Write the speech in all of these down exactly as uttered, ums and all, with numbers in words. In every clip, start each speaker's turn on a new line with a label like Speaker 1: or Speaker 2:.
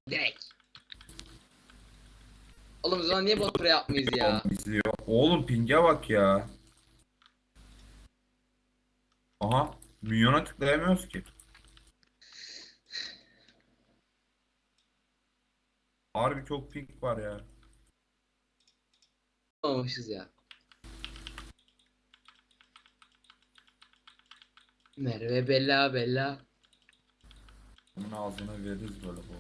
Speaker 1: Direkt. Oğlum o zaman niye bot pre yapmayız ya?
Speaker 2: İzliyor. Oğlum ping'e bak ya. Aha. Milyona tıklayamıyoruz ki. Harbi çok ping var ya.
Speaker 1: Olmamışız ya. Merve Bella Bella.
Speaker 2: Bunun ağzına veririz böyle bu.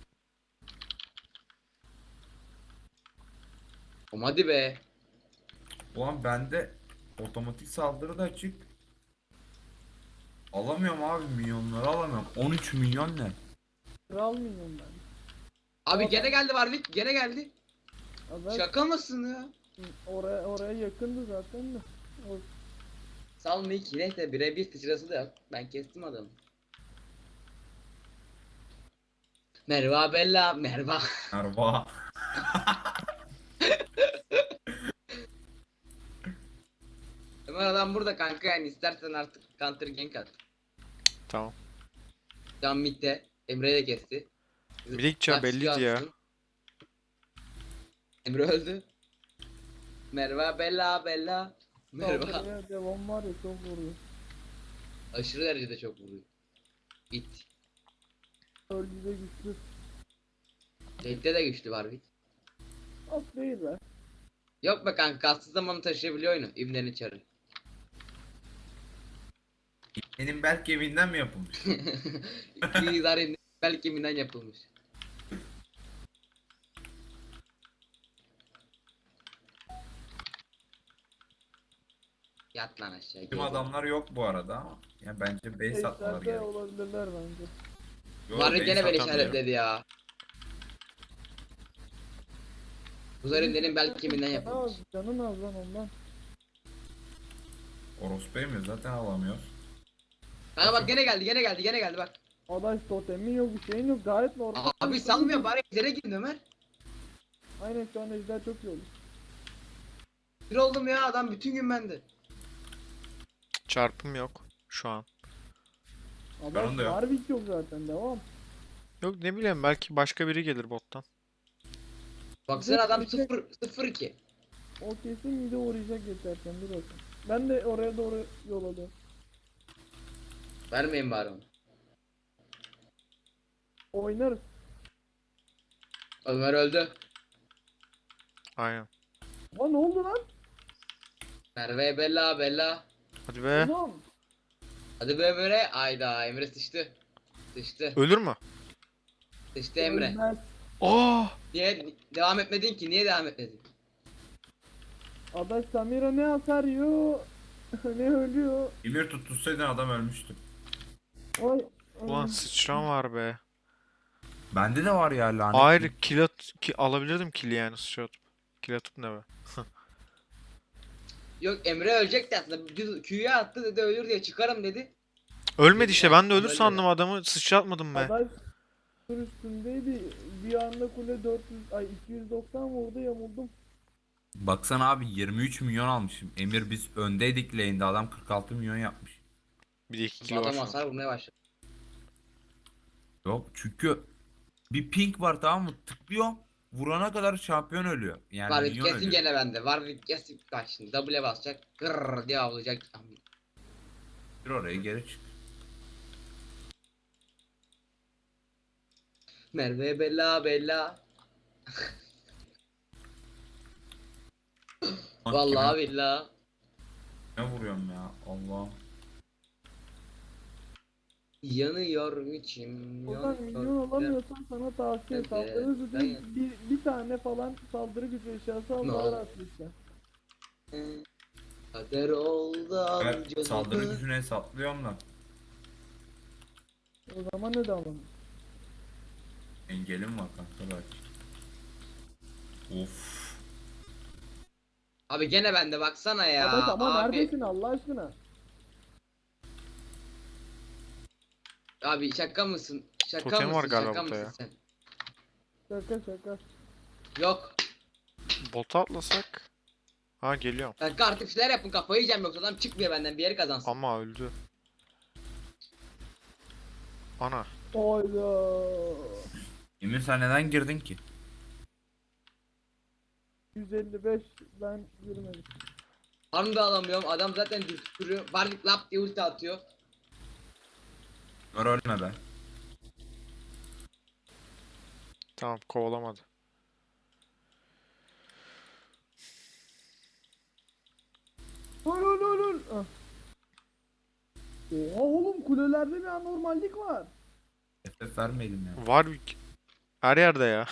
Speaker 1: Oğlum hadi be.
Speaker 2: Ulan bende otomatik saldırı da açık. Alamıyorum abi, milyonları alamıyorum. on üç milyon ne?
Speaker 3: Almıyorum ben.
Speaker 1: Abi gene geldi Warwick. Gene geldi.
Speaker 3: Adam
Speaker 1: Şaka mısın ya?
Speaker 3: oraya oraya yakındı zaten de. O,
Speaker 1: Salmayı ki neyse birebir sıçrası da yok. Ben kestim adamı. Merva Bella Merva.
Speaker 2: Merva.
Speaker 1: Ömer adam burada kanka, yani istersen artık counter gank at.
Speaker 4: Tamam.
Speaker 1: Can midde. Emre'yi de kesti.
Speaker 4: Bir de gideceğim
Speaker 1: Taksici
Speaker 4: belliydi ya.
Speaker 1: atsın. Emre öldü. Merva Bella Bella. Merva.
Speaker 3: saldırıya devam var ya, çok vuruyor.
Speaker 1: Aşırı derecede çok vuruyor. Git.
Speaker 3: Öldü de güçlü.
Speaker 1: Tekte de güçlü var bir.
Speaker 3: Az değil be.
Speaker 1: Yok be kanka, kastığı zaman taşıyabiliyor oyunu. İbnenin çarı.
Speaker 2: Benim belki evinden mi yapılmış?
Speaker 1: İki idare belki kemiğinden yapılmış. Yat lan aşağı.
Speaker 2: Bizim
Speaker 1: gel.
Speaker 2: adamlar yok bu arada ama. Ya bence base atmaları
Speaker 3: Eşlerde
Speaker 2: gerek.
Speaker 3: olabilirler bence.
Speaker 2: Yo,
Speaker 1: Var
Speaker 2: base
Speaker 1: gene beni
Speaker 2: atamıyorum.
Speaker 1: işaretledi ya. Uzarın dedim belki kemiğinden
Speaker 3: Canın
Speaker 1: yapılmış.
Speaker 3: az, canın az lan ondan.
Speaker 2: Orospu'yu mu zaten alamıyoruz.
Speaker 1: Kanka bak gene geldi gene geldi gene geldi bak.
Speaker 3: Adaş totemin yok, bir şeyin yok, gayet normal.
Speaker 1: Abi salmıyor bari, ejder'e girin Ömer.
Speaker 3: Aynen, şu an ejder çok iyi oldu.
Speaker 1: Bir oldum ya, adam bütün gün bende.
Speaker 4: Çarpım yok şu an.
Speaker 3: Adaş
Speaker 2: Canın da yok.
Speaker 3: Warwick yok zaten, devam.
Speaker 4: Yok ne bileyim, belki başka biri gelir bottan.
Speaker 1: Baksana adam
Speaker 3: Direkt-
Speaker 1: sıfır sıfır iki.
Speaker 3: O kesin mide uğrayacak geçerken, dur bakayım. Ben de oraya doğru yol alıyorum.
Speaker 1: Vermeyin bari onu.
Speaker 3: Oynarız.
Speaker 1: Ömer öldü.
Speaker 4: Aynen.
Speaker 3: Aa, ne oldu lan?
Speaker 1: Merve Bella Bella.
Speaker 4: Hadi be.
Speaker 3: Oğlum.
Speaker 1: Hadi be Emre. Ayda Emre sıçtı. Sıçtı.
Speaker 4: Ölür mü?
Speaker 1: Sıçtı Emre.
Speaker 3: Ölmez.
Speaker 4: Aa!
Speaker 1: Niye devam etmedin ki? Niye devam etmedin?
Speaker 3: Adaş Samira ne hasar yiyor, ne ölüyor.
Speaker 2: Emir tuttursaydın adam ölmüştü.
Speaker 3: Ay, ay.
Speaker 4: Ulan sıçran var be.
Speaker 2: Bende de var ya lanet.
Speaker 4: Hayır, kill at ki alabilirdim kill'i yani sıçra atıp. Kill atıp ne be?
Speaker 1: Yok Emre ölecekti aslında. Düz Q'ya attı dedi, ölür diye çıkarım dedi.
Speaker 4: Ölmedi işte, ben de ölür
Speaker 1: Öyle
Speaker 4: sandım
Speaker 1: ya.
Speaker 4: adamı, sıçra atmadım be.
Speaker 3: Adaş sur üstündeydi. Bir anda kule dört yüz, ay iki yüz doksan vurdu, yamuldum.
Speaker 2: Baksana abi, yirmi üç milyon almışım. Emir biz öndeydik lane'de, adam kırk altı milyon yapmış.
Speaker 4: Bir de iki
Speaker 1: Bu
Speaker 4: kill var
Speaker 1: adam
Speaker 4: şu an.
Speaker 1: hasar vurmaya başladı.
Speaker 2: Yok çünkü bir ping var, tamam mı? Tıklıyorum. Vurana kadar şampiyon ölüyor. Yani
Speaker 1: Var
Speaker 2: milyon
Speaker 1: kesin
Speaker 2: ölüyor.
Speaker 1: gene bende. Var kesin, bak şimdi W'ye basacak. Gırrrr diye avlayacak.
Speaker 2: Bir oraya geri çık.
Speaker 1: Merve Bella Bella. Vallahi billahi.
Speaker 2: Ne vuruyorum ya Allah.
Speaker 1: Yanıyor içim.
Speaker 3: Oradan milyon alamıyorsan sana tavsiye,
Speaker 1: Evet,
Speaker 3: saldırı gücü
Speaker 1: evet.
Speaker 3: bir, bir tane falan saldırı gücü eşyası al,
Speaker 1: Ne
Speaker 3: daha
Speaker 1: oldu?
Speaker 3: rahat lütfen.
Speaker 1: Kader oldu
Speaker 2: Ben
Speaker 1: amcanı.
Speaker 2: saldırı gücünü hesaplıyorum da.
Speaker 3: O zaman ne de alalım.
Speaker 2: Engelim var kanka belki. Of.
Speaker 1: Abi gene bende baksana ya.
Speaker 3: Adaş ama
Speaker 1: abi,
Speaker 3: neredesin Allah aşkına?
Speaker 1: abi şaka mısın? Şaka
Speaker 4: Totem
Speaker 1: mısın?
Speaker 4: var galiba
Speaker 1: şaka
Speaker 4: burada
Speaker 1: mısın
Speaker 4: ya.
Speaker 1: sen?
Speaker 3: Şaka şaka.
Speaker 1: Yok.
Speaker 4: Bota atlasak. Ha geliyorum.
Speaker 1: Kanka artık şeyler yapın, kafayı yiyeceğim yoksa adam çıkmıyor benden, bir yeri kazansın.
Speaker 4: Ama öldü. Ana.
Speaker 3: Oyda.
Speaker 2: Emir sen neden girdin ki?
Speaker 3: yüz elli beş ben girmedim.
Speaker 1: Farm da alamıyorum. Adam zaten dürtüyor. Warwick lap diye ulti atıyor.
Speaker 2: Ömer ölme be.
Speaker 4: Tamam, kovalamadı.
Speaker 3: Öl öl öl öl. Ah. Oha oğlum kulelerde bir anormallik var.
Speaker 2: F F vermeyelim ya.
Speaker 4: Warwick her yerde ya.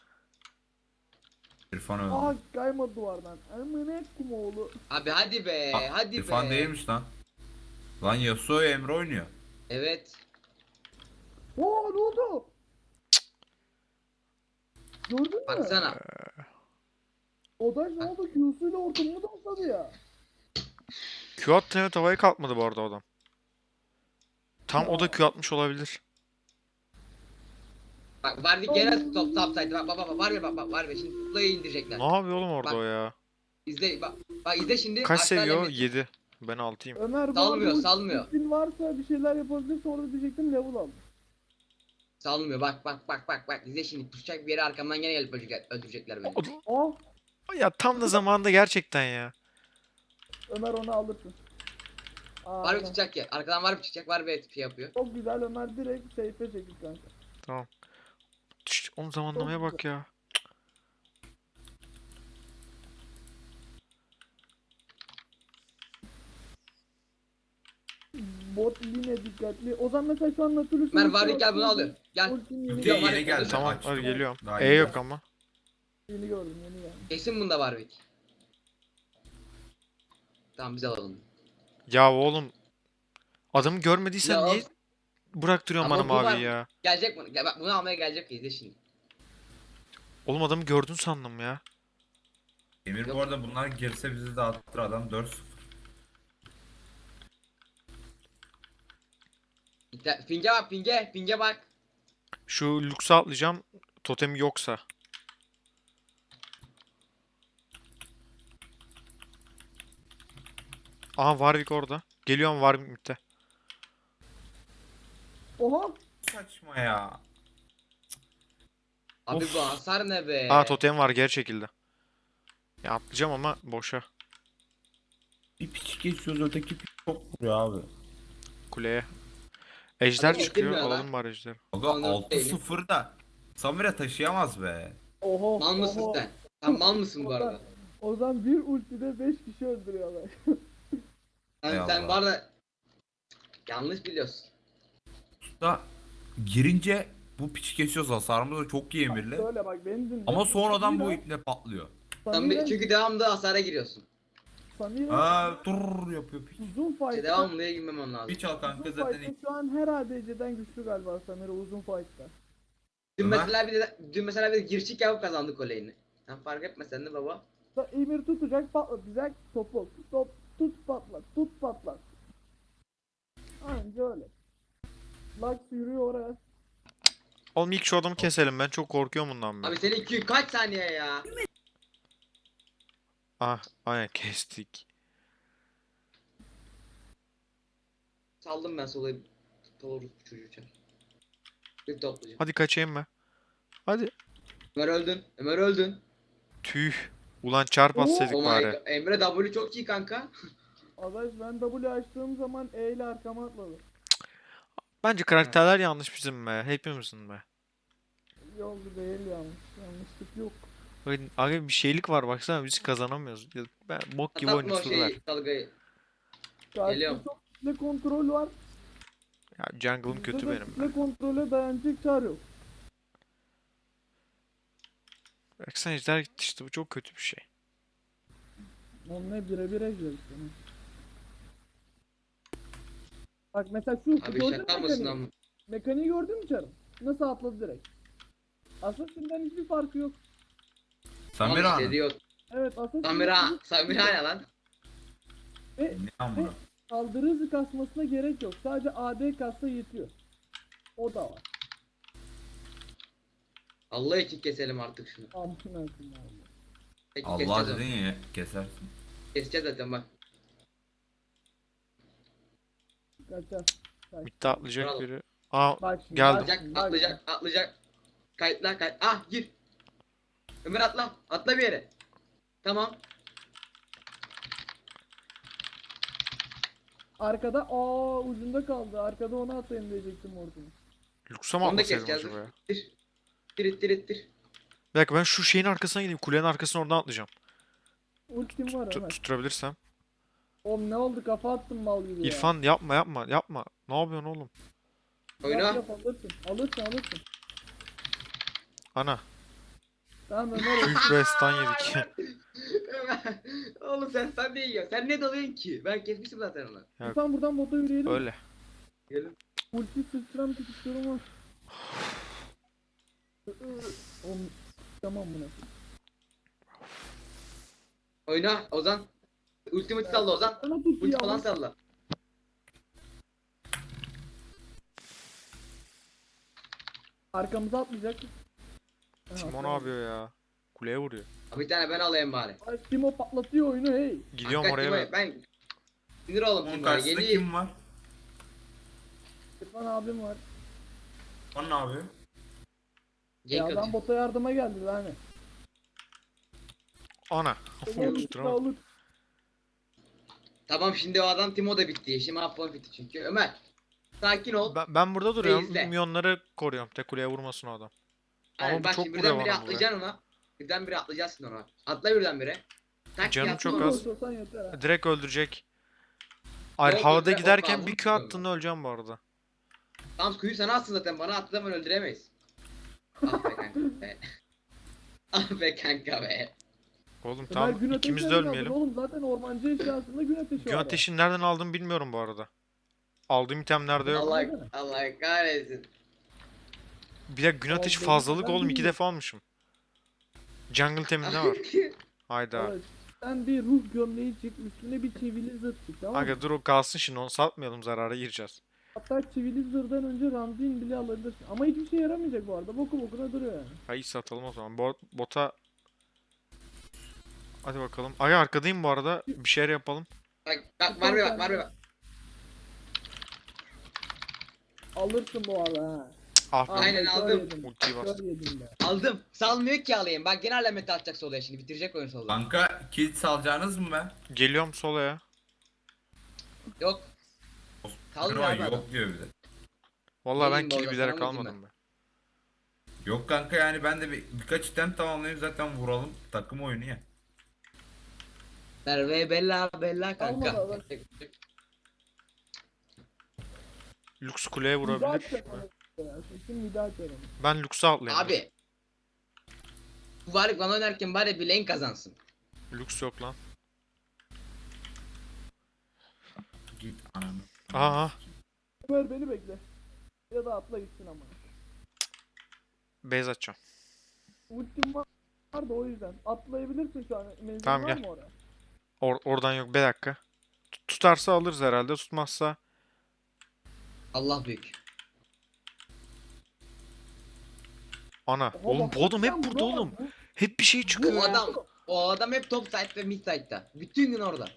Speaker 2: İrfan öldü.
Speaker 3: Aha kaymadı duvardan. Amına kumoğlu.
Speaker 1: Abi hadi be.
Speaker 2: Aa,
Speaker 1: hadi
Speaker 2: İrfan
Speaker 1: be.
Speaker 2: değilmiş lan. Lan Yasuo Emre oynuyor.
Speaker 1: Evet.
Speaker 3: Oo ne oldu? Gördün mü?
Speaker 1: Baksana.
Speaker 3: Odaş ne oldu? Q'suyla ortamını topladı ya.
Speaker 4: Q attı, evet, havaya kalkmadı bu arada adam. Tam o da Q atmış olabilir.
Speaker 1: Bak Warwick gene top topsaydı. Bak bak bak var ya bak bak var ya şimdi Tuplay'ı indirecekler.
Speaker 4: Ne yapıyor oğlum orada
Speaker 1: Bak.
Speaker 4: o ya?
Speaker 1: İzle bak. Bak izle şimdi.
Speaker 4: Kaç
Speaker 1: aşağı
Speaker 4: seviyor?
Speaker 1: limit.
Speaker 4: yedi. Ben altıyım.
Speaker 3: Ömer bu
Speaker 1: Salmıyor,
Speaker 3: arada
Speaker 1: salmıyor.
Speaker 3: ultin varsa bir şeyler yapabilirse orada diyecektim level al.
Speaker 1: Salmıyor bak bak bak bak bak. İzle şimdi pusacak bir yere arkamdan gene gelip öldürecek, öldürecekler beni.
Speaker 3: Oh
Speaker 4: Ya tam da zamanında gerçekten ya.
Speaker 3: Ömer onu alırsın. Aa,
Speaker 1: Var bir tutacak ya. Arkadan var bir çıkacak var bir şey yapıyor.
Speaker 3: çok güzel Ömer direkt safe'e çekil kanka.
Speaker 4: Tamam. Tüş, onun zamanlamaya bak ya.
Speaker 3: Bot yine dikkatli. O zaman mesela şu an Nautilus
Speaker 1: Ömer
Speaker 3: ulti
Speaker 1: Warwick gel bunu
Speaker 3: atıyor.
Speaker 1: alıyor. Gel.
Speaker 3: Ultinin yeni,
Speaker 2: Ultiye
Speaker 1: Yok,
Speaker 2: yeni
Speaker 1: Warwick
Speaker 2: geldi.
Speaker 1: öldü.
Speaker 4: Tamam,
Speaker 2: açtım.
Speaker 4: hadi geliyorum.
Speaker 2: Daha
Speaker 4: E
Speaker 2: yeni
Speaker 4: yok
Speaker 2: geldi.
Speaker 4: ama.
Speaker 3: yeni gördüm yeni geldi.
Speaker 1: Kesin bunda Warwick. Tamam biz alalım.
Speaker 4: Ya oğlum. Adamı görmediysen
Speaker 1: Ya
Speaker 4: niye
Speaker 1: of.
Speaker 4: bıraktırıyorsun
Speaker 1: Ama
Speaker 4: bana
Speaker 1: bu var.
Speaker 4: maviyi ya?
Speaker 1: Gelecek bunu. Gel bak bunu almaya gelecek izle şimdi.
Speaker 4: Oğlum adamı gördün sandım ya.
Speaker 2: Emir
Speaker 1: Yok.
Speaker 2: bu arada bunlar girse bizi dağıtır adam dört sıfır.
Speaker 1: İnter- Ping'e bak ping'e. Ping'e bak.
Speaker 4: Şu Lux'a atlayacağım. Totemi yoksa. Aha, Warwick orada. Geliyorum Warwick midde.
Speaker 3: Oha!
Speaker 2: Saçma ya.
Speaker 1: Abi
Speaker 4: Of.
Speaker 1: bu hasar ne be?
Speaker 4: Aa, totem var geri çekildi. Ya atlayacağım ama boşa.
Speaker 2: Bir piç geçiyoruz öteki piç çok vuruyor abi.
Speaker 4: Kuleye. Ejder
Speaker 1: Adam
Speaker 4: çıkıyor.
Speaker 1: getirmiyor lan.
Speaker 4: Alalım bari ejderi.
Speaker 2: Aga
Speaker 1: Ondan
Speaker 2: altı
Speaker 1: değilim.
Speaker 2: sıfır da Samira taşıyamaz be.
Speaker 3: Oho!
Speaker 1: Mal mısın
Speaker 3: oho.
Speaker 1: sen? Sen mal mısın bu arada?
Speaker 3: O zaman bir ultide beş kişi öldürüyorlar.
Speaker 1: Sen,
Speaker 2: Ey
Speaker 1: sen
Speaker 2: Allah.
Speaker 1: bu arada yanlış biliyorsun.
Speaker 2: Da girince bu piç geçiyoruz hasarımız da çok iyi Emir'le.
Speaker 3: Böyle bak beni dinle.
Speaker 2: Ama sonradan bu
Speaker 3: Samira-
Speaker 2: iple patlıyor.
Speaker 1: Sen bir,
Speaker 3: Samira,
Speaker 1: çünkü devamlı hasara giriyorsun.
Speaker 3: Samira
Speaker 2: Aa dur yapıyor piç.
Speaker 3: uzun
Speaker 1: İşte
Speaker 3: fight'ta
Speaker 1: devamlıya girmemem lazım.
Speaker 2: Piç al kanka
Speaker 3: uzun
Speaker 2: zaten.
Speaker 3: fight'ta şu an her A D C'den güçlü galiba Samira uzun fight'ta.
Speaker 1: Dün
Speaker 2: Ömer.
Speaker 1: mesela bir de, dün mesela bir girişik yapıp kazandık kolejini. Sen fark etmesen de baba.
Speaker 3: Da Emir tutacak patlatacak topu. Top tut patlat tut patlat. Anca öyle. Lux yürüyor oraya.
Speaker 4: Oğlum ilk şu adamı keselim, ben çok korkuyorum bundan ben.
Speaker 1: Abi senin Q kaç saniye ya?
Speaker 4: Ah, aynen kestik.
Speaker 1: Saldım ben sola doğru çocuğu çar. Bir toplayacağım.
Speaker 4: Hadi kaçayım ben. Hadi.
Speaker 1: Ömer öldün. Ömer öldün.
Speaker 4: Tüh. Ulan çarp atsaydık
Speaker 1: Oh my
Speaker 4: bari.
Speaker 1: god. Emre W çok iyi kanka.
Speaker 3: Adaş ben W açtığım zaman E ile arkama atladı.
Speaker 4: Bence karakterler yanlış bizim be. Hepimizin be.
Speaker 3: Yoldu değil yanlış. Yanlışlık yok.
Speaker 4: Bakın, abi bir şeylik var baksana, biz kazanamıyoruz. Ya ben bok gibi
Speaker 1: Atlatma o
Speaker 4: oynuyoruz ver.
Speaker 1: şeyi dalgayı.
Speaker 3: Karşıda
Speaker 1: Geliyorum.
Speaker 3: çok kitle kontrol var.
Speaker 4: Ya jungle'ım kötü
Speaker 3: Bizde de
Speaker 4: benim be.
Speaker 3: Kitle kontrole dayanacak çar yok.
Speaker 4: Baksana ejder gitti işte, bu çok kötü bir şey.
Speaker 3: Onunla birebir ejder işte. Bak mesela şu
Speaker 1: Abi
Speaker 3: gördün
Speaker 1: şaka
Speaker 3: mü
Speaker 1: mısın
Speaker 3: mekaniği?
Speaker 1: ama?
Speaker 3: Mekaniği gördün mü çarım? Nasıl atladı direkt? Assassin'den hiçbir farkı yok.
Speaker 2: Samira
Speaker 1: Al
Speaker 2: Hanım.
Speaker 1: işte diyor.
Speaker 3: Evet Assassin'den
Speaker 1: Samira,
Speaker 3: hiçbir-
Speaker 1: Samira ne lan?
Speaker 3: Ve
Speaker 2: Ne amına?
Speaker 3: saldırı hızı kasmasına gerek yok. Sadece A D kassa yetiyor. O da var.
Speaker 1: Allah için keselim artık şunu.
Speaker 3: Amına koyayım abi.
Speaker 1: Peki
Speaker 2: Allah
Speaker 1: keseceğiz
Speaker 2: dedin
Speaker 1: onu.
Speaker 2: ya kesersin.
Speaker 1: Keseceğiz zaten bak.
Speaker 3: Kaçar.
Speaker 4: Mid'de atlayacak
Speaker 1: Bravo.
Speaker 4: biri. Aa,
Speaker 3: Bak şimdi.
Speaker 4: Geldim.
Speaker 3: bak
Speaker 1: Atlayacak,
Speaker 3: şimdi, bak
Speaker 1: atlayacak, atlayacak. Kayıtla kayıt. Ah gir. Ömer atla. Atla bir yere. Tamam.
Speaker 3: Arkada aa ucunda kaldı. Arkada onu atayım diyecektim Morgan'ı.
Speaker 4: Lux'a mı
Speaker 1: Onu da
Speaker 4: atlasaydım
Speaker 1: keseceğiz.
Speaker 4: acaba ya?
Speaker 1: İttir. İttir ittir ittir.
Speaker 4: Bir dakika ben şu şeyin arkasına gideyim. Kulenin arkasına oradan atlayacağım.
Speaker 3: Ultim var
Speaker 4: Tut-
Speaker 3: Ömer.
Speaker 4: tutturabilirsem.
Speaker 3: Oğlum ne oldu kafa attım mal gibi ya.
Speaker 4: İrfan yapma yapma yapma. Ne yapıyorsun oğlum?
Speaker 3: Yap,
Speaker 1: Oyna.
Speaker 3: yap, alırsın. Alırsın alırsın.
Speaker 4: Ana.
Speaker 3: Tamam Ömer.
Speaker 4: Büyük bir stun yedik.
Speaker 1: Ömer. Oğlum sen sen değil ya. Sen ne dalıyorsun ki? Ben kesmiştim zaten onu.
Speaker 4: Ya-
Speaker 3: İrfan buradan bota yürüyelim.
Speaker 4: Öyle.
Speaker 1: Gelin.
Speaker 3: Ulti sıçram tutuşturum var. Oğlum tamam buna.
Speaker 1: Oyna Ozan. Ultimate salla Ozan.
Speaker 3: Sana tut
Speaker 1: Ulti
Speaker 3: ya.
Speaker 1: falan salla.
Speaker 3: Arkamıza atlayacak. Ha,
Speaker 4: Timo ne
Speaker 3: atlayamadı.
Speaker 4: yapıyor ya? Kuleye vuruyor.
Speaker 1: Bir tane ben alayım bari.
Speaker 3: Ay Timo patlatıyor oyunu hey.
Speaker 4: Gidiyorum
Speaker 1: Hakikaten
Speaker 4: oraya
Speaker 1: Timo'ya-
Speaker 4: ben.
Speaker 1: Ben sinir oğlum
Speaker 2: Onun
Speaker 1: Timo'ya.
Speaker 2: karşısında
Speaker 1: Geliyor.
Speaker 2: kim var?
Speaker 3: İrfan abim var.
Speaker 2: O ne yapıyor?
Speaker 3: Ya
Speaker 1: Gank
Speaker 3: adam
Speaker 1: atıyor.
Speaker 3: bota yardıma geldi lan.
Speaker 4: Ana.
Speaker 3: Gel
Speaker 4: Tutturamadım.
Speaker 3: alır.
Speaker 1: Tamam şimdi o adam Timo da bitti. Şimdi Apollon bitti çünkü. Ömer. Sakin ol.
Speaker 4: Ben, ben burada duruyorum.
Speaker 1: izle.
Speaker 4: Minyonları koruyorum. Tek kuleye vurmasın o adam. Ama
Speaker 1: Aynen,
Speaker 4: bu
Speaker 1: bak
Speaker 4: çok
Speaker 1: şimdi
Speaker 4: vuruyor
Speaker 1: birden bire
Speaker 4: bana bu be.
Speaker 1: atlayacaksın ona. Birden bire atlayacaksın ona. Atla birden bire. Tak
Speaker 4: Canım
Speaker 1: yatma
Speaker 4: çok
Speaker 1: ona.
Speaker 4: az.
Speaker 3: Olsan yeter ha.
Speaker 4: Direkt öldürecek. Hayır
Speaker 1: Yok,
Speaker 4: havada
Speaker 1: yok,
Speaker 4: giderken
Speaker 1: yok,
Speaker 4: bir
Speaker 1: yok.
Speaker 4: Q attığında öleceğim bu arada.
Speaker 1: Tamam kuyu sana atsın zaten. Bana attığı zaman öldüremeyiz. Ah be kanka be. Ah be kanka be.
Speaker 4: Oğlum
Speaker 3: Ömer
Speaker 4: tamam
Speaker 3: gün
Speaker 4: ikimiz de
Speaker 3: ateşi nereden
Speaker 4: ölmeyelim.
Speaker 3: aldın Oğlum zaten ormancı eşyasında gün ateşi
Speaker 4: Gün
Speaker 3: var.
Speaker 4: ateşini nereden aldım bilmiyorum bu arada. Aldığım itemlerde yok.
Speaker 1: Allah Allah kahretsin.
Speaker 4: Bir de gün ateşi
Speaker 3: Aldığım
Speaker 4: fazlalık
Speaker 3: item
Speaker 4: oğlum iki
Speaker 3: bilmiyorum.
Speaker 4: defa almışım. Jungle teminde var. Hayda.
Speaker 3: Evet. Sen bir ruh gömleği çık üstüne bir çivili zırh çık tamam mı?
Speaker 4: Aga dur o kalsın şimdi onu satmayalım zarara gireceğiz.
Speaker 3: Hatta çivili zırhdan önce Ramzin bile alabilirsin. Ama hiçbir şey yaramayacak bu arada. Boku bokuna duruyor yani.
Speaker 4: Hayır satalım o zaman. Bo- bota... Hadi bakalım. Aga arkadayım bu arada. Bir şeyler yapalım.
Speaker 1: Bak bak var bir bak var bir bak.
Speaker 3: Alırsın bu arada ha.
Speaker 4: Ah be.
Speaker 1: Aynen,
Speaker 3: kör
Speaker 1: aldım.
Speaker 3: yedim.
Speaker 4: Ultiyi
Speaker 3: Kör
Speaker 4: bastım.
Speaker 3: yedim be.
Speaker 1: Aldım. Salmıyor ki alayım. Bak gene alameti atacak solaya şimdi. Bitirecek oyun solda.
Speaker 2: Kanka kilit salacağınız mı be?
Speaker 4: Geliyorum solaya.
Speaker 1: Yok. Kalmıyor
Speaker 2: Kral
Speaker 1: abi adam.
Speaker 2: yok diyor bir de.
Speaker 4: Vallahi ben
Speaker 1: Geleyim
Speaker 4: kill
Speaker 1: bu arada,
Speaker 4: bilerek
Speaker 1: sana vurayım
Speaker 4: almadım ben.
Speaker 2: Yok kanka yani ben de bir, birkaç item tamamlayayım zaten vuralım. Takım oyunu ya.
Speaker 1: Merve bella bella kanka.
Speaker 3: Almadı adam.
Speaker 4: Lux kuleye
Speaker 3: Nida
Speaker 4: vurabilir.
Speaker 3: açacak onu ya. Kesin nida açar onu.
Speaker 4: Ben Lux'a atlayayım.
Speaker 1: Abi. Bu var bana oynarken bari bir lane kazansın.
Speaker 4: Lux yok lan.
Speaker 2: Git ananı.
Speaker 4: Aha.
Speaker 3: Ömer beni bekle. Ya da atla gitsin ama.
Speaker 4: Base atacağım.
Speaker 3: Ultim var da o yüzden. Atlayabilirsin şu an. Menzil
Speaker 4: Tamam,
Speaker 3: var
Speaker 4: gel.
Speaker 3: mı oraya?
Speaker 4: Or- oradan yok. Bir dakika. Tut- Tutarsa alırız herhalde. Tutmazsa.
Speaker 1: Allah büyük.
Speaker 4: Ana.
Speaker 3: Oha,
Speaker 4: Oğlum
Speaker 3: bak,
Speaker 4: bu adam hep
Speaker 3: sen
Speaker 4: burada
Speaker 3: buna bak,
Speaker 4: oğlum.
Speaker 3: bu-
Speaker 4: Hep bir şey çıkıyor
Speaker 1: Bu
Speaker 4: ya.
Speaker 1: adam o adam hep top side ve mid side'da. Bütün gün orada.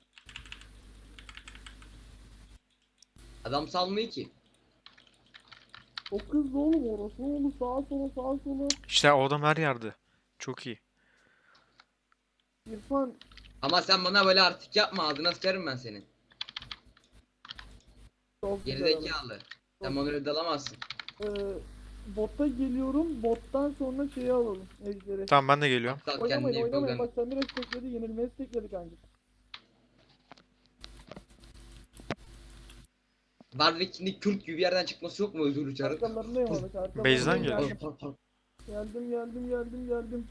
Speaker 1: Adam salmıyor ki.
Speaker 3: Çok hızlı oğlum orası oğlum sağa sola sağa sola.
Speaker 4: İşte o adam her yerde. Çok iyi.
Speaker 3: İrfan
Speaker 1: Ama sen bana böyle artık yapma ağzına sıkarım ben senin.
Speaker 3: çok güzel adam.
Speaker 1: Gerizekalı. Sen bana öyle dalamazsın.
Speaker 3: Ee, bota geliyorum. Bottan sonra şeyi alalım. Ejderi.
Speaker 4: Tamam ben de geliyorum.
Speaker 1: Aptal
Speaker 3: Oynamayın
Speaker 1: kendini
Speaker 3: oynamayın.
Speaker 1: yapılgan.
Speaker 3: Bak Samir estekledi. Yenilmeyi estekledi kanka.
Speaker 1: Warwick şimdi Kürt gibi bir yerden çıkması yok mu özür uçarı?
Speaker 3: Arkalarındayım abi. arkalarındayım.
Speaker 4: Base'den geliyor.
Speaker 3: Geldim geldim geldim geldim. geldim.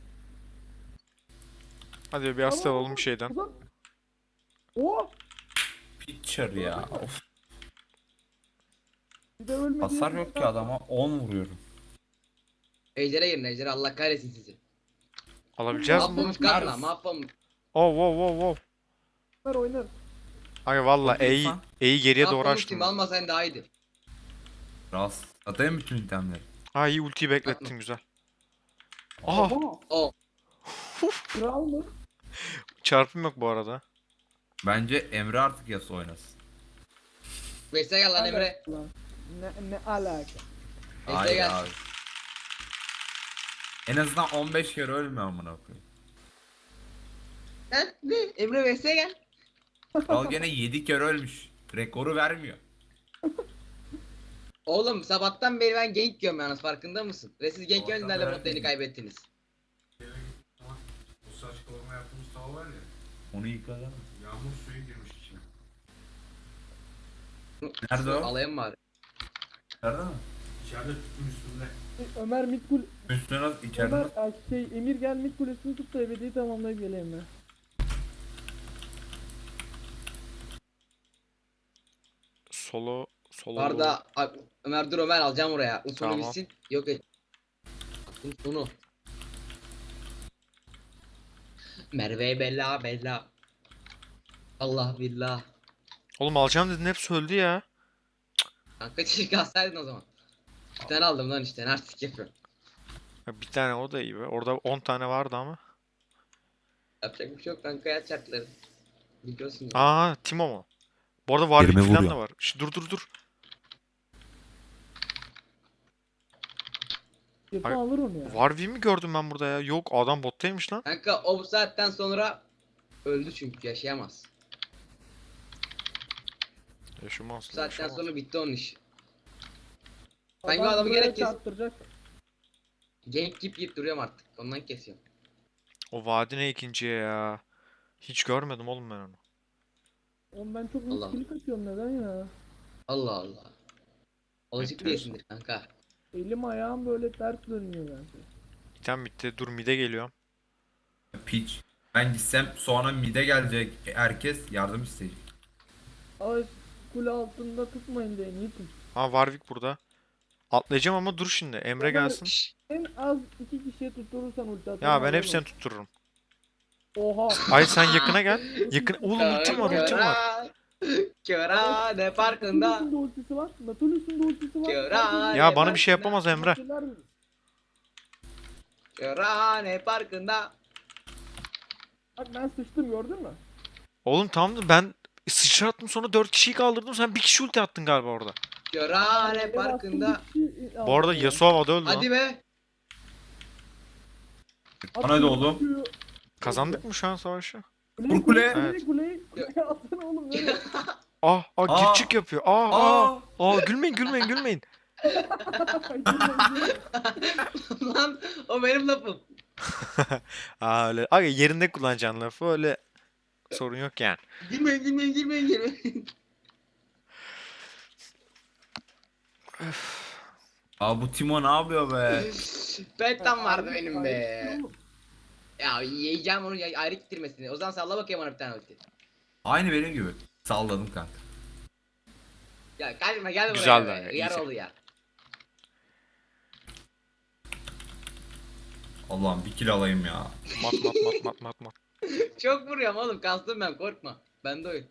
Speaker 4: Hadi bir hasta olalım bir şeyden.
Speaker 3: Ulan. Oh!
Speaker 2: Pitcher ya. Of.
Speaker 3: Bir de ölmedi.
Speaker 2: Hasar yok ki adama on vuruyorum.
Speaker 1: Ejder'e girin Ejder'e Allah kahretsin sizi.
Speaker 4: Alabileceğiz mi?
Speaker 1: Mahvolmuş karla mahvolmuş.
Speaker 4: Oh wow wow wow.
Speaker 3: Oynar oynar.
Speaker 4: Ay valla
Speaker 2: Hadi
Speaker 4: E'yi
Speaker 2: İrfan.
Speaker 4: E'yi geriye doğru
Speaker 1: Mahvolmuş
Speaker 4: açtım.
Speaker 1: şimdi
Speaker 4: ben.
Speaker 1: almasaydın daha iyiydi.
Speaker 2: Rast. Atayım bütün itemleri.
Speaker 4: Ha iyi ultiyi beklettin güzel. Aha
Speaker 3: Aha.
Speaker 1: O.
Speaker 3: Kral mı?
Speaker 4: çarpım yok bu arada.
Speaker 2: Bence Emre artık Yasuo oynasın.
Speaker 1: Veysel gel lan Emre.
Speaker 3: Lan. Ne, ne alaka?
Speaker 1: Veysel
Speaker 2: Hayır
Speaker 1: gel.
Speaker 2: abi. En azından on beş kere ölme amına koyayım.
Speaker 1: Sen ne? Emre V S'ye gel.
Speaker 2: Kral gene yedi kere ölmüş. Rekoru vermiyor.
Speaker 1: Oğlum sabahtan beri ben gank yiyorum yalnız farkında mısın? Ve siz gank
Speaker 2: Sabahtan
Speaker 1: yönlerle
Speaker 2: beri
Speaker 1: modlarını
Speaker 2: gank.
Speaker 1: kaybettiniz.
Speaker 5: O saç kavurma yaptığımız tava var ya.
Speaker 2: Onu yıkadı mı?
Speaker 5: Yağmur suyu girmiş içine.
Speaker 2: Nerede o?
Speaker 1: Alayım bari.
Speaker 2: Nerede mi?
Speaker 5: İçeride tüpün üstünde.
Speaker 3: Ömer mid kul
Speaker 2: Üstüne nasıl içeride
Speaker 3: Ömer
Speaker 2: nasıl?
Speaker 3: ay, şey Emir gel mid kulesini tut da ebediyi tamamlayıp geleyim ben.
Speaker 4: Solo solo.
Speaker 1: Bu arada a- Ömer dur Ömer alacağım oraya. Usulü
Speaker 4: Tamam.
Speaker 1: bitsin. Yok et. Usulü. Merve bella bella. Allah billah.
Speaker 4: Oğlum alacağım dedin hepsi öldü ya.
Speaker 1: Kanka çiçek alsaydın o zaman. Bir tane aldım lan işte. Artık yapıyorum.
Speaker 4: Ya bir tane o da iyi be. Orada on tane vardı ama.
Speaker 1: Yapacak bir şey yok kanka ya çarkları. Biliyorsun ya.
Speaker 4: Aa Timo mu? Bu arada Warwick
Speaker 2: Yerime
Speaker 4: falan
Speaker 2: vuruyor.
Speaker 4: da var. Şş, dur dur dur.
Speaker 3: İrfan
Speaker 4: Ay-
Speaker 3: alır onu ya.
Speaker 4: Warwick'i mi gördüm ben burada ya? Yok adam bottaymış lan.
Speaker 1: Kanka o bu saatten sonra öldü çünkü yaşayamaz.
Speaker 4: Yaşamaz.
Speaker 1: Bu saatten
Speaker 4: yaşamaz.
Speaker 1: sonra bitti onun iş. Sanki
Speaker 3: Adam
Speaker 1: adamı
Speaker 3: buraya
Speaker 1: gerek kes.
Speaker 3: çarptıracak.
Speaker 1: Gank yiyip yiyip duruyorum artık. Ondan kesiyorum.
Speaker 4: O vadi ne ikinciye ya? Hiç görmedim oğlum ben onu.
Speaker 3: Oğlum ben çok
Speaker 1: Allah.
Speaker 3: miskilik atıyorum neden ya?
Speaker 1: Allah Allah. Alışık
Speaker 4: Enteresan.
Speaker 1: değilsindir kanka.
Speaker 3: Elim ayağım böyle ters dönüyor bence.
Speaker 4: Biten bitti. Dur mide geliyorum.
Speaker 2: Piç. Ben gitsem sonra mide gelecek. Herkes yardım isteyecek.
Speaker 3: Ay kule altında tutmayın da en iyi tut.
Speaker 4: Ha Warwick burada. Atlayacağım ama dur şimdi. Emre
Speaker 3: Ömer-
Speaker 4: gelsin.
Speaker 1: Şşş.
Speaker 3: En az iki kişiye tutturursan ulti atarım.
Speaker 4: Ya ben
Speaker 3: alırım.
Speaker 4: hepsini tuttururum.
Speaker 3: Oha.
Speaker 4: Ay sen yakına gel. Yakın. Oğlum ultim var ultim var.
Speaker 1: Köra ne farkında.
Speaker 3: Natulus'un da ultisi var. Natulus'un da ultisi var.
Speaker 1: Köra
Speaker 3: Herkes-
Speaker 4: Ya bana bir şey yapamaz Emre.
Speaker 3: Şeyler mi?
Speaker 1: Köra ne farkında.
Speaker 3: Bak ben sıçtım gördün mü?
Speaker 4: Oğlum tamam da ben sıçrattım sonra dört kişiyi kaldırdım. Sen bir kişi ulti attın galiba orada.
Speaker 1: Köra ne
Speaker 3: Ben
Speaker 1: farkında.
Speaker 3: bastım, bir kişi
Speaker 4: Bu arada
Speaker 3: aldım ya.
Speaker 4: Yasuo havada öldü lan.
Speaker 1: Hadi be.
Speaker 2: Bana da oğlum.
Speaker 3: Atıyor.
Speaker 4: Kazandık mı şu an savaşı?
Speaker 3: Kuleyi
Speaker 2: Vur kule.
Speaker 3: kuleyi
Speaker 4: Evet.
Speaker 3: kuleyi kuleyi atsana oğlum böyle.
Speaker 4: Ah ah
Speaker 2: Aa.
Speaker 4: git çık yapıyor. Aa aa.
Speaker 2: Aa!
Speaker 4: Aa gülmeyin gülmeyin gülmeyin.
Speaker 1: Lan o benim lafım.
Speaker 4: Aa öyle. Aga yerinde kullanacaksın lafı öyle sorun yok yani.
Speaker 1: Girmeyin girmeyin girmeyin girmeyin.
Speaker 2: Aa bu Timo ne yapıyor be?
Speaker 1: Pentam vardı benim be. Ya yiyeceğim onu ya- ayrı gittirmesini. O zaman salla bakayım bana bir tane ulti.
Speaker 2: Aynı benim gibi. Salladım kanka.
Speaker 1: Ya kaçma gel buraya.
Speaker 4: Güzel
Speaker 1: be.
Speaker 4: be,
Speaker 1: Yar
Speaker 4: iyice.
Speaker 1: oldu ya.
Speaker 2: Allah'ım bir kill alayım ya.
Speaker 4: Mat mat mat mat mat mat.
Speaker 1: Çok vuruyorum oğlum kastım ben korkma. Ben de oyun.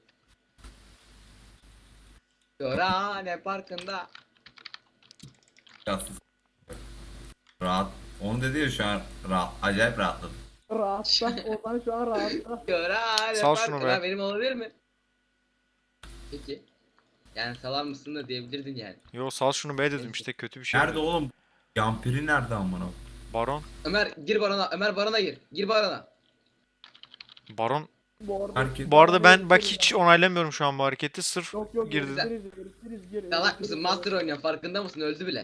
Speaker 1: Köra ne farkında.
Speaker 2: Yatsız. Rahat. Onu dedi ya şu an rahat. Acayip rahatladım.
Speaker 3: Rahatla. Oradan şu an rahatla.
Speaker 1: Köra ne
Speaker 4: Sal şunu
Speaker 1: farkında
Speaker 4: be.
Speaker 1: benim olabilir mi? Peki. Yani salar mısın da diyebilirdin yani.
Speaker 4: Yo sal şunu be dedim işte kötü bir şey.
Speaker 2: Nerede
Speaker 4: dedim.
Speaker 2: oğlum? Yampiri nerede amına?
Speaker 4: Baron.
Speaker 1: Ömer gir barona. Ömer barona gir. Gir barona.
Speaker 4: Baron.
Speaker 3: Bu arada,
Speaker 2: Herkes-
Speaker 4: Bu arada ben bak hiç onaylamıyorum şu an bu hareketi. Sırf
Speaker 3: Yok yok
Speaker 4: girdi.
Speaker 3: girdi. Giriz giriz giriz giriz.
Speaker 1: Salak mısın? Master oynuyor farkında mısın? Öldü bile.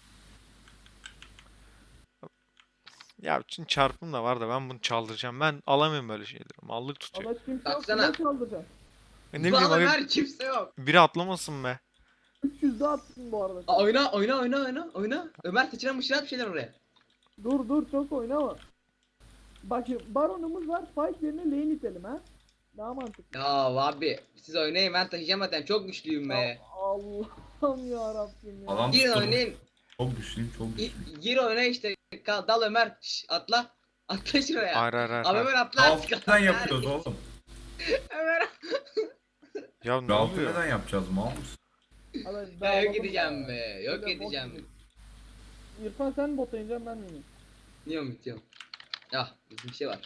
Speaker 4: Ya şimdi çarpım da var da ben bunu çaldıracağım. Ben alamıyorum böyle şeyleri. Mallık tutuyor.
Speaker 3: Allah kimse yok.
Speaker 1: Baksana.
Speaker 3: Kime çaldıracak?
Speaker 4: E ne bileyim
Speaker 1: Lan
Speaker 4: abi
Speaker 1: Ömer kimse yok.
Speaker 4: biri atlamasın be.
Speaker 3: üç yüz de atsın bu arada.
Speaker 1: Aa, oyna oyna oyna oyna oyna. Ömer sıçra mışra bir şeyler oraya.
Speaker 3: Dur dur çok oynama. Bak şimdi baronumuz var. Fight yerine lane itelim ha. Daha mantıklı.
Speaker 1: Ya abi siz oynayın ben taşıyacağım zaten çok güçlüyüm be.
Speaker 3: Ya Allah'ım ya Rabbim ya.
Speaker 2: Adam
Speaker 1: Girin
Speaker 2: tuttum.
Speaker 1: oynayın.
Speaker 2: Çok güçlüyüm çok
Speaker 1: Gi-
Speaker 2: güçlüyüm.
Speaker 1: Gir oyna işte. Kal, dal Ömer. Şş, atla. Atla şuraya.
Speaker 4: Hayır hayır hayır.
Speaker 1: Abi
Speaker 4: hayır.
Speaker 1: Ömer atla.
Speaker 2: Altından yapıyoruz oğlum.
Speaker 1: Ömer.
Speaker 4: Ya ne
Speaker 2: Altı
Speaker 4: oluyor?
Speaker 2: neden yapacağız mal mısın?
Speaker 3: Hadi,
Speaker 1: Ya
Speaker 3: dağılalım
Speaker 1: yok edeceğim
Speaker 3: ya.
Speaker 1: be. Yok
Speaker 3: Öyle bot
Speaker 1: edeceğim.
Speaker 3: gibi. İrfan sen bota ineceksin ben de ineyim.
Speaker 1: Bitiyorum bitiyorum. Ya bizim bir şey var.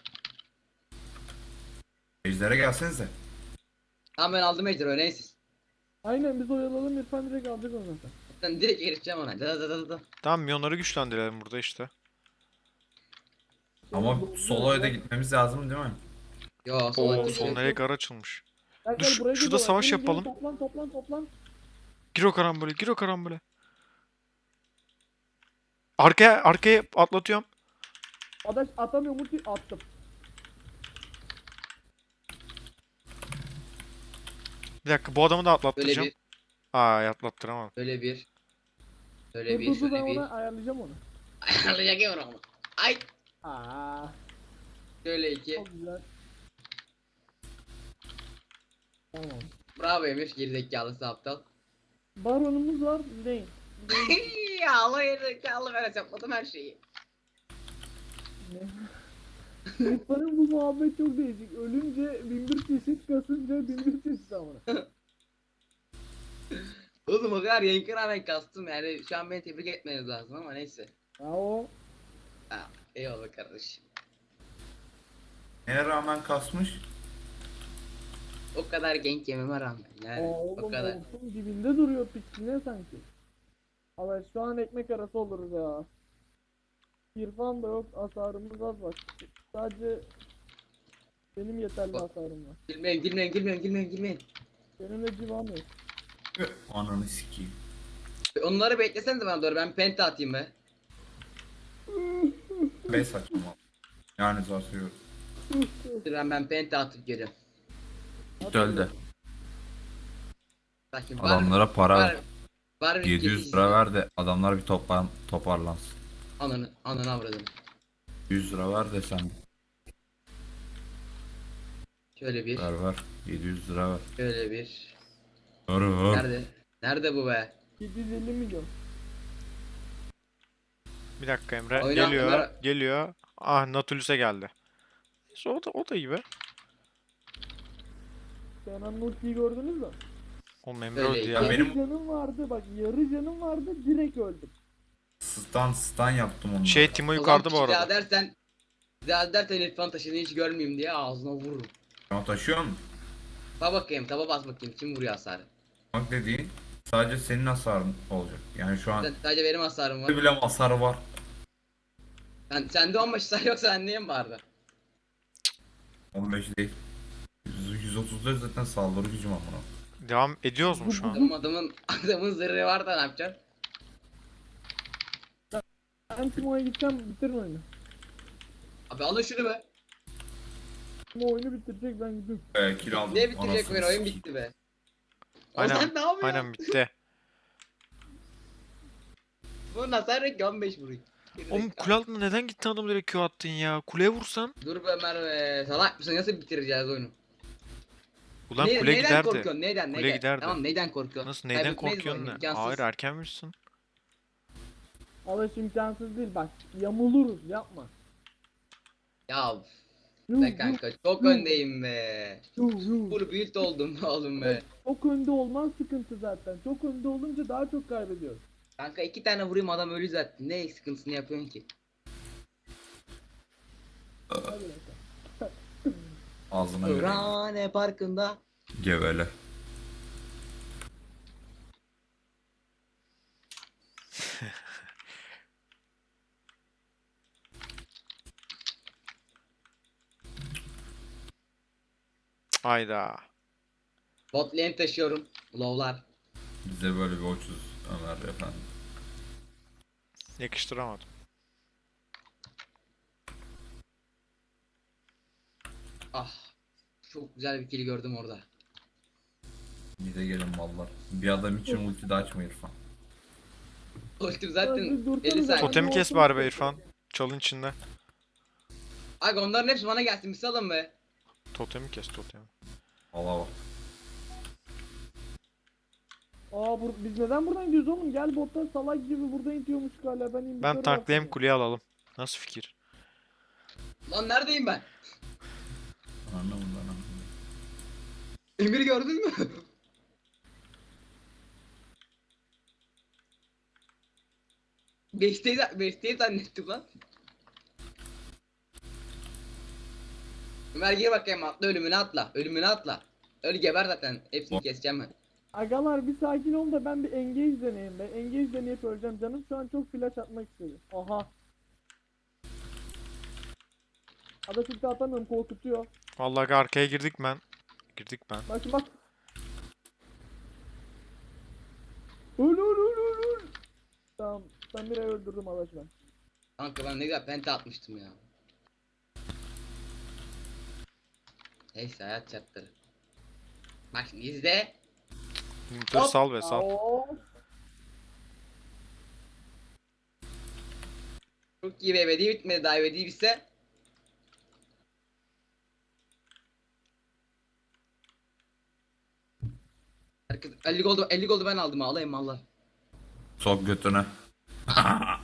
Speaker 2: Ejder'e gelsenize.
Speaker 1: Tamam ben aldım Ejder oynayın siz.
Speaker 3: Aynen biz oyalalım İrfan direkt alacak onu zaten.
Speaker 1: Ben direkt erişeceğim ona. Da da da da da.
Speaker 4: Tamam milyonları güçlendirelim burada işte.
Speaker 2: Ama
Speaker 3: Doğru,
Speaker 2: soloya da
Speaker 3: doğru.
Speaker 2: gitmemiz lazım değil mi?
Speaker 1: Yo sola
Speaker 4: Oo,
Speaker 1: gidiyor.
Speaker 4: sol nereye gar açılmış.
Speaker 3: Gel,
Speaker 4: Dur,
Speaker 3: gel,
Speaker 4: şu-
Speaker 3: buraya
Speaker 4: şurada
Speaker 3: geliyorlar.
Speaker 4: savaş
Speaker 3: Gelin, gelin,
Speaker 4: yapalım.
Speaker 3: Toplan toplan toplan.
Speaker 4: Gir o karambole, gir o karambole. Arkaya, arkaya atlatıyorum.
Speaker 3: Adaş atamıyor multi attım.
Speaker 4: Bir dakika, bu adamı da
Speaker 1: Böyle
Speaker 4: atlattıracağım.
Speaker 1: bir,
Speaker 4: Aa, atlattıramadım.
Speaker 1: böyle bir. Böyle
Speaker 3: Dur
Speaker 1: bir,
Speaker 3: dur dur ben
Speaker 1: şöyle bir.
Speaker 3: ona ayarlayacağım onu.
Speaker 1: Ayarlayacak onu. Ay.
Speaker 3: Aa,
Speaker 1: Şöyle iki.
Speaker 3: çok güzel. Tamam.
Speaker 1: Bravo Emir. Gerizekalısı aptal.
Speaker 3: Baronumuz var. Lane. Lane.
Speaker 1: ya Allah gerizekalı ben hesapladım her şeyi.
Speaker 3: Ne? İrfan'ın bu muhabbet çok değişik. Ölünce bin bir çeşit, kasınca bin bir çeşit amına.
Speaker 1: Oğlum o kadar yankı rağmen kastım yani şu an beni tebrik etmeniz lazım ama neyse.
Speaker 3: Ya o
Speaker 1: Ha, eyvallah kardeşim.
Speaker 2: Neye rağmen kasmış?
Speaker 1: O kadar genk yememe rağmen yani
Speaker 3: Aa,
Speaker 1: o
Speaker 3: oğlum
Speaker 1: kadar.
Speaker 3: olsun dibinde duruyor piksine sanki. Ama şu an ekmek arası oluruz ya. İrfan da yok, hasarımız az bak. Sadece benim yeterli
Speaker 1: Bak.
Speaker 3: hasarım var.
Speaker 1: Gülmeyin gülmeyin gülmeyin gülmeyin gülmeyin.
Speaker 3: Benim de civam yok.
Speaker 2: Ananı sikeyim.
Speaker 1: Onları beklesenize bana doğru ben penta atayım be.
Speaker 2: Be saçma. Yani zor seviyorum.
Speaker 1: Dur ben, ben penta atıp geliyorum.
Speaker 2: Öldü.
Speaker 1: Bakayım var mı?
Speaker 2: Adamlara para
Speaker 1: Var,
Speaker 2: ver.
Speaker 1: var bir
Speaker 2: yedi yüz lira ver de adamlar bir toplan toparlansın.
Speaker 1: Ananı, ananı avradım.
Speaker 2: yüz lira ver de sen
Speaker 1: Şöyle bir,
Speaker 2: ver ver. yedi yüz lira ver.
Speaker 1: şöyle bir.
Speaker 2: Ver ver.
Speaker 1: Nerede? Nerede bu be?
Speaker 3: yedi yüz elli milyon.
Speaker 4: Bir dakika Emre.
Speaker 1: Oyna,
Speaker 4: geliyor,
Speaker 1: Ömer.
Speaker 4: geliyor. Ah, Nautilus'e geldi. Neyse, o da, o da iyi be.
Speaker 3: Kenan Nurki'yi gördünüz mü?
Speaker 4: Oğlum Emre
Speaker 1: Öyle
Speaker 4: öldü
Speaker 1: iyi.
Speaker 4: ya.
Speaker 2: Ya benim-
Speaker 3: Yarı canım vardı bak, yarı canım vardı, direkt öldüm.
Speaker 2: Stan stan yaptım onu.
Speaker 4: Şey, Timo
Speaker 1: O
Speaker 4: yukarıda bu
Speaker 1: zaman bir daha
Speaker 4: arada.
Speaker 1: dersen, bir daha dersen İrfan taşını hiç görmeyeyim diye ağzına vururum.
Speaker 2: Ama taşıyor mu?
Speaker 1: Bak bakayım, taba bas bakayım kim vuruyor hasarı.
Speaker 2: Bak dediğin sadece senin hasarın olacak. Yani şu an
Speaker 1: Sen, sadece benim hasarım var.
Speaker 2: bile hasarı var.
Speaker 1: Sen, sende on beş hasar yoksa anneye mi vardı?
Speaker 2: on beş değil. yüz, yüz otuz dört zaten saldırı gücüm amına.
Speaker 4: Devam ediyoruz mu şu an?
Speaker 1: Adamın, adamın, adamın zırhı var da ne yapacaksın?
Speaker 3: Ben Timo'ya gideceğim, bitirin oyunu.
Speaker 1: Abi alın şunu be.
Speaker 3: Timo oyunu bitirecek, ben gidiyorum.
Speaker 2: Ee, kill aldım.
Speaker 1: Ne bitirecek
Speaker 2: Anasını
Speaker 1: oyun? Oyun
Speaker 2: sikeyim.
Speaker 1: bitti be.
Speaker 4: Aynen,
Speaker 1: Ozan ne yapıyor?
Speaker 4: Aynen bitti.
Speaker 1: Bunun hasarı yok ki on beş vuruyor.
Speaker 4: Oğlum kule altına neden gittin adamı direkt Q attın ya? Kuleye vursan.
Speaker 1: Dur be Ömer be. Salak mısın? Nasıl bitireceğiz oyunu?
Speaker 4: Ulan
Speaker 1: Ne-
Speaker 4: kule
Speaker 1: neyden
Speaker 4: giderdi.
Speaker 1: korkuyorsun? Neyden?
Speaker 4: Kule
Speaker 1: Neyden?
Speaker 4: giderdi.
Speaker 1: Tamam neyden korkuyorsun?
Speaker 4: Nasıl, neyden
Speaker 1: Kaybetmeyiz bu
Speaker 4: korkuyorsun
Speaker 1: oyunu,
Speaker 4: ne?
Speaker 1: imkansız.
Speaker 4: Hayır, erken misin?
Speaker 3: Alış imkansız değil bak, yamuluruz, yapma.
Speaker 1: Ya
Speaker 3: Yuh,
Speaker 1: be
Speaker 3: yuh,
Speaker 1: kanka çok
Speaker 3: yuh.
Speaker 1: öndeyim be.
Speaker 3: yuh, yuh.
Speaker 1: Full build oldum be oğlum be.
Speaker 3: Çok önde olman sıkıntı zaten. Çok önde olunca daha çok kaybediyoruz.
Speaker 1: Kanka iki tane vurayım adam ölü zaten. Ne sıkıntısını yapıyorsun ki?
Speaker 3: Hadi bakalım.
Speaker 2: Ağzına göre.
Speaker 1: Rane parkında.
Speaker 2: Gevele.
Speaker 4: Hayda.
Speaker 1: Bot lane taşıyorum. Low'lar.
Speaker 2: Bize böyle bir uçuz Ömer efendim.
Speaker 4: Yakıştıramadım.
Speaker 1: Ah. Çok güzel bir kill gördüm orada.
Speaker 2: Bize gelin mallar. Bir adam için ulti de açma İrfan.
Speaker 1: Ultim
Speaker 3: Hadi
Speaker 1: zaten
Speaker 3: dursana
Speaker 1: elli
Speaker 3: ben.
Speaker 1: saniye.
Speaker 4: Totemi kes bari be İrfan. Çalın içinde.
Speaker 1: Aga onların hepsi bana gelsin bir salın be.
Speaker 4: Totemi kes, totemi.
Speaker 2: Allah bak.
Speaker 3: Aa bur biz neden buradan gidiyoruz oğlum? Gel bottan salak gibi burada itiyormuş hala. Ben invitarı
Speaker 4: Ben tanklayayım,
Speaker 3: bastım.
Speaker 4: kuleyi alalım. Nasıl fikir?
Speaker 1: Lan neredeyim ben?
Speaker 2: Anlamadım ben anlamadım.
Speaker 1: Emir'i gördün mü? Beşteyi, beşteyi zannettim lan. Ömer gir bakayım atla ölümüne atla. Ölümüne atla. Öl geber zaten. Hepsini keseceğim ben.
Speaker 3: Agalar bir sakin ol da ben bir engage deneyeyim be. Engage deneyip öleceğim. Canım şu an çok flash atmak istedi. Aha. Ada çünkü atamıyorum, korkutuyor.
Speaker 4: Vallahi arkaya girdik ben. Girdik ben.
Speaker 3: Bak şimdi bak. Öl öl öl öl öl. Tamam. Ben bir ay öldürdüm Adaş ben.
Speaker 1: Kanka ben ne güzel penta atmıştım ya. Neyse hayat şartları. Bak şimdi izle.
Speaker 4: Dur
Speaker 1: Hop.
Speaker 4: sal be sal.
Speaker 3: Aa,
Speaker 1: Çok iyi be, ebedi bitmedi daha, ebedi bitse. Herkes elli goldu elli goldu ben aldım, ağlayayım Allah.
Speaker 2: Sok götüne.